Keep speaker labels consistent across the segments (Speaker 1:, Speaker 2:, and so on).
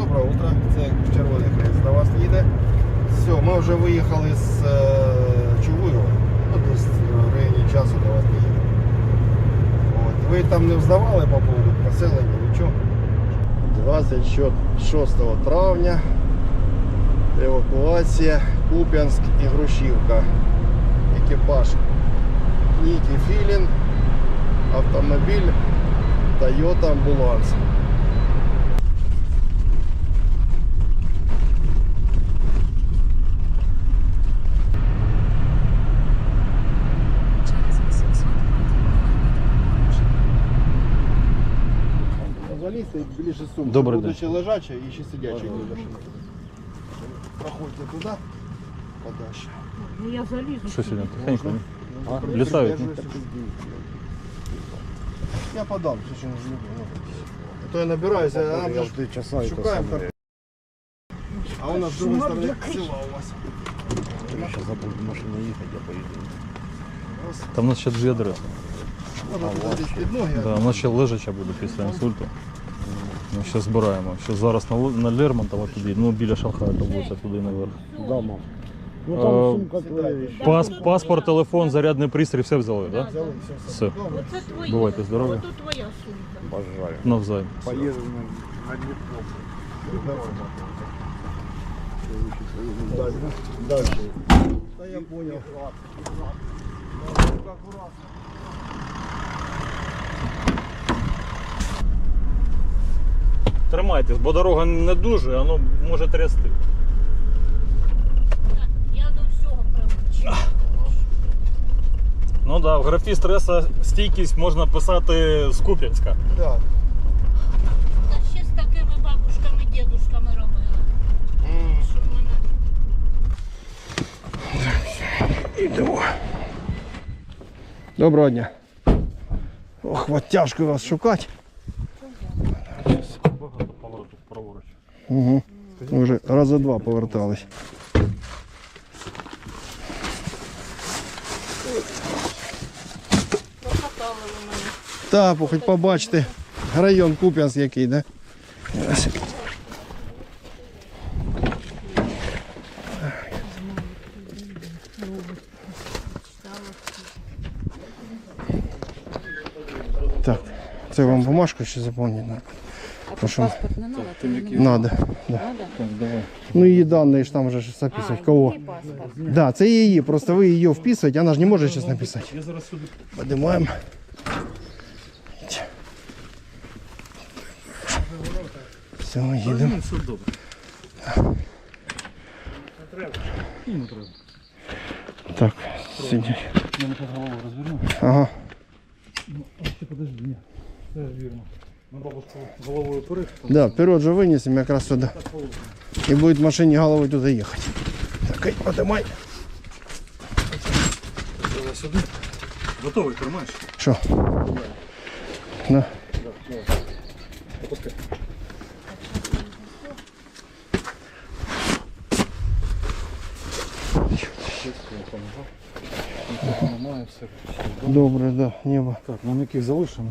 Speaker 1: Доброе утро, це Червоний Хрест до вас їде. Все, ми вже виїхали з Чугуєва, ну десь в районі часу до вас їде. От. Ви там не вздавали по поводу поселення, нічого? 26 травня, евакуація, Куп'янськ і Грушівка. Екіпаж Нікі Філін, автомобіль Toyota Амбуланс. Залізьте більше сумки.
Speaker 2: Добрий день.
Speaker 1: Будучи лежача і ще сидяча. Проходьте туди, подальше.
Speaker 3: Ну я залізу.
Speaker 2: Що сьогодні? Тихенько. Літають.
Speaker 1: Я подам, що не люблю. А то я набираюся, а нам же шукаємо. А у нас з другої сторони села у вас.
Speaker 4: Я сейчас забуду в машине ехать, я поеду.
Speaker 2: Там у нас ще дві адреси.
Speaker 1: Можна туди під ноги.
Speaker 2: Да, у нас ще лежача буде після інсульту. Ми ще збираємо. Ще зараз на Лермонтова туди, ну біля Шанхая вулиця туди наверх.
Speaker 4: Да, мам. Ну там сумка твоя.
Speaker 2: Паспорт, телефон, зарядний пристрій, все взяли, так?
Speaker 1: Взяли,
Speaker 2: Все.
Speaker 3: Оце твоє.
Speaker 2: Бувайте здорові.
Speaker 3: Ото твоя сумка.
Speaker 4: Обожаю.
Speaker 2: Навзаєм.
Speaker 4: Поеду на Днепро.
Speaker 1: Дальше. Да я понял.
Speaker 2: Тримайтесь, бо дорога не дуже, воно може трясти.
Speaker 3: Так, я до всього привична.
Speaker 2: Ну так, да, в графі стреса стійкість можна писати з Куп'янська.
Speaker 1: Да.
Speaker 3: Та ще з такими бабушками, дідушками робила. Що в мене...
Speaker 1: Ідемо. Доброго дня. Ох, от тяжко вас шукати.
Speaker 2: Багато поворотів праворуч.
Speaker 1: Угу. Ми вже раза два повертались.
Speaker 3: Прокатали ви мене.
Speaker 1: Так, хоч побачите. Район Куп'янськ який, да? Ось. Так, це вам бумажку ще заповнити надо.
Speaker 5: А паспорт не надо?
Speaker 1: Надо. Да.
Speaker 2: Так, давай.
Speaker 1: Ну її дані ж там вже ж записувати. Кого?
Speaker 5: Паспорт.
Speaker 1: Да, це її, просто ви її вписуєте, вона ж не може зараз написати.
Speaker 2: Я зараз сюди.
Speaker 1: Поднимаем. Все, їдемо.
Speaker 2: Все добре. Не треба.
Speaker 1: Так, сидіть.
Speaker 2: Я не під голову розверну.
Speaker 1: Ага.
Speaker 2: А ще подожди, ні. Це вірно. Ми бабушку головою вперед.
Speaker 1: Да, вперед же вынесем якраз сюда. И будет в машине головой туда ехать. Так, ай, поднимай.
Speaker 2: Давай сюди. Готовий, тримаєш?
Speaker 1: Что? Да.
Speaker 2: Опускай. Немає, все.
Speaker 1: Добре, да, небо.
Speaker 2: Так, нам яких залишимо?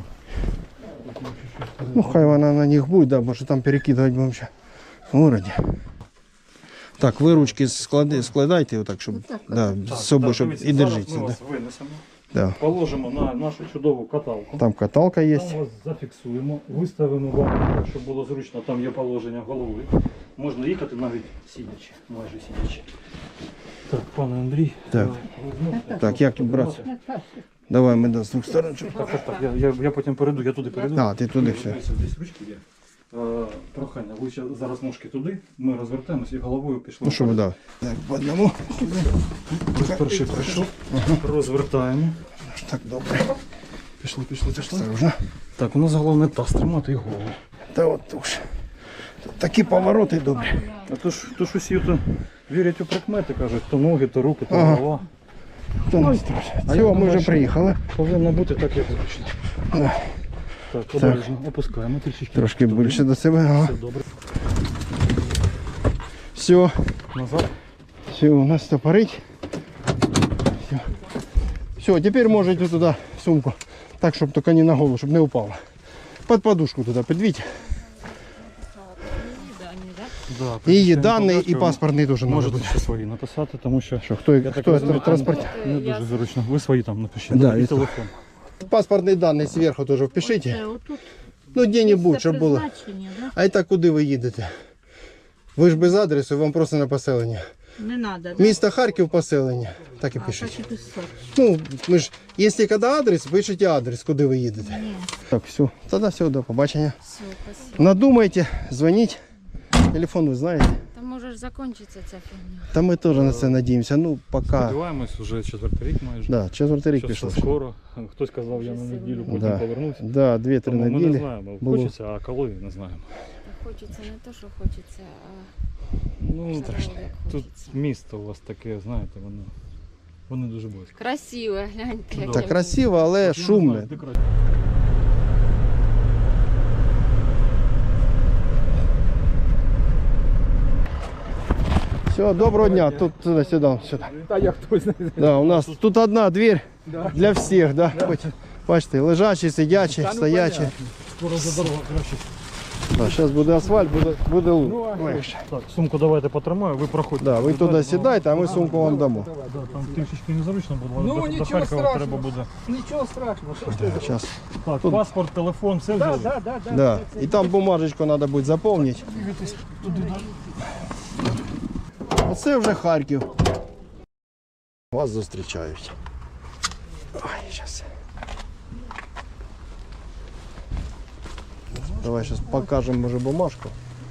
Speaker 1: Ну, хай вона на них будет, да, потому что там перекидывать будем сейчас в городе. Так, ви ручки складайте, отак, щоб да, з собою, щоб і держіться.
Speaker 2: Ми
Speaker 1: Да.
Speaker 2: вас винесемо,
Speaker 1: Да.
Speaker 2: положимо на нашу чудову каталку.
Speaker 1: Там каталка є.
Speaker 2: Там вас зафіксуємо, виставимо вам, щоб було зручно, там є положення голови. Можна їхати навіть сидячи, майже сидячи. Так, пане Андрій,
Speaker 1: Так.
Speaker 2: візьмете.
Speaker 1: Так, як тут брати? Давай ми з двох сторон. щоб-
Speaker 2: Так, я потім перейду, я туди перейду.
Speaker 1: А, ти туди все.
Speaker 2: Десь ручки є. Прохання, ви зараз ножки туди, ми розвертаємось і головою пішли.
Speaker 1: Ну, щоб, да. Так, по одному.
Speaker 2: Ось перший пройшов, розвертаємо.
Speaker 1: Так, добре.
Speaker 2: Пішли.
Speaker 1: Осторожно.
Speaker 2: Так, у нас головне таз тримати і голову.
Speaker 1: Та от уж. Тут такі повороти добрі.
Speaker 2: А то ж усі то вірять у прикмети, кажуть, то ноги, то руки, то
Speaker 1: Ага.
Speaker 2: голова.
Speaker 1: Хто нас страшить?
Speaker 2: А
Speaker 1: Все,
Speaker 2: я
Speaker 1: ми
Speaker 2: думаю,
Speaker 1: вже
Speaker 2: що
Speaker 1: приїхали.
Speaker 2: Повинно бути так, як зручно.
Speaker 1: Да.
Speaker 2: Так, обережно, опускаємо трішки.
Speaker 1: Трошки більше до себе. Ага.
Speaker 2: Все добре.
Speaker 1: Все,
Speaker 2: Назад.
Speaker 1: все, у нас стопорить. Все, тепер можете туди сумку. Так, щоб тільки не на голову, щоб не упало. Под подушку туди підвіть.
Speaker 3: Да, не так?
Speaker 2: Да,
Speaker 1: І
Speaker 2: причому
Speaker 1: дані, і
Speaker 2: податки
Speaker 1: паспортний теж треба
Speaker 2: можете
Speaker 1: буде.
Speaker 2: ще свої написати, тому що
Speaker 1: Що, хто
Speaker 2: так розумію,
Speaker 1: транспорт?
Speaker 2: не дуже зручно. Ви свої там напишіть.
Speaker 1: Да,
Speaker 2: і
Speaker 1: і
Speaker 2: телефон.
Speaker 1: Паспортні дані зверху теж впишіть.
Speaker 3: Це отут
Speaker 1: Ну, де-небудь, щоб було.
Speaker 3: призначення, да?
Speaker 1: А і так куди ви їдете? Ви ж без адресу, вам просто на поселення.
Speaker 3: Не треба, да?
Speaker 1: Місто Харків поселення. Так і
Speaker 3: А, так
Speaker 1: пишіть.
Speaker 3: і писати.
Speaker 1: Ну, ми ж, якщо коли адрес, пишіть адрес, куди ви їдете.
Speaker 3: Ні.
Speaker 1: Так, все. Тоді все, до побачення.
Speaker 5: Все, спасибо.
Speaker 1: Надумайте, дзвоніть. Телефон ви знаєте.
Speaker 5: Там може ж закінчиться ця фігня.
Speaker 1: Та ми теж на це надіємося. Ну, поки.
Speaker 2: Сподіваємось, вже 4-й рік майже.
Speaker 1: Да, 4-й рік
Speaker 2: Що
Speaker 1: пішов.
Speaker 2: все скоро. Хтось казав, я на неділю потім
Speaker 1: Да.
Speaker 2: повернусь.
Speaker 1: Да, 2-3
Speaker 2: Тому ми не
Speaker 1: неділі.
Speaker 2: знаємо,
Speaker 1: було.
Speaker 2: хочеться, а коли не знаємо.
Speaker 5: Та хочеться не те, що хочеться, а
Speaker 2: Ну,
Speaker 5: страшно.
Speaker 2: тут місто у вас таке, знаєте, воно дуже близько.
Speaker 5: Красиве, гляньте. яке.
Speaker 1: Так красиво, але шумне. Все, доброго дня. Тут сюди.
Speaker 4: Та я хтось не
Speaker 1: Да, у нас тут одна дверь для всіх, да? Бачите, лежачі, сидячі, стоячі.
Speaker 2: Скоро за дорога краще.
Speaker 1: Да, зараз буде асфальт, буде легше.
Speaker 2: Так, сумку давайте потримаю, ви проходьте.
Speaker 1: Да, ви туди сідайте, а ми сумку вам дамо.
Speaker 2: Да, там трішечки незручно буде,
Speaker 4: Ну,
Speaker 2: до
Speaker 4: нічого
Speaker 2: Харкова
Speaker 4: страшного.
Speaker 2: треба буде.
Speaker 4: Нічого страшного, що ж ти?
Speaker 1: Сейчас.
Speaker 2: Так,
Speaker 1: Тут-
Speaker 2: паспорт, телефон, все
Speaker 4: Да,
Speaker 2: взяли?
Speaker 4: да, да, да.
Speaker 1: Да. І там бумажечку треба буде заповнити. Оце вже Харків. Вас зустрічають. Ой, зараз. Давай зараз покажемо, може, бумажку.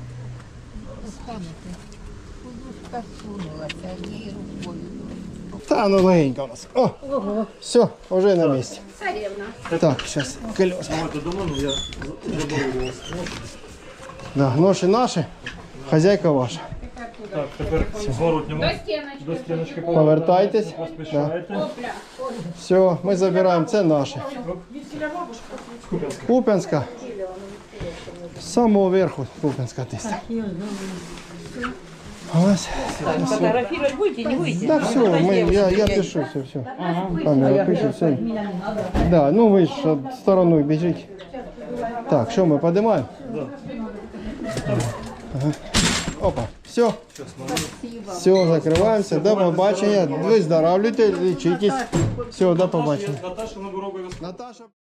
Speaker 1: Та, ну легенько у нас. О, все, вже на місці. Так, зараз колеса.
Speaker 2: Давайте до мене, я заберу вас.
Speaker 1: Да, ноші наші, хазяйка ваша.
Speaker 2: Так, тепер зворотньому. До стіночки
Speaker 1: Повертайтесь.
Speaker 2: поспішайте.
Speaker 1: Все, ми забираємо, це наше. Куп'янська. З самого верху Куп'янська десь. Ось.
Speaker 6: Фотографировать будете, не будете?
Speaker 1: Так, все, я пишу, все. Камера пише, все. Да, ну ви ж стороною біжіть. Так, що ми підіймаємо? Ага. Опа, все. Все, закриваємося. До побачення. Виздоравлюйте, лічитесь. Все, до побачення.
Speaker 2: Наташа, ми обов'язково.
Speaker 1: Наташа.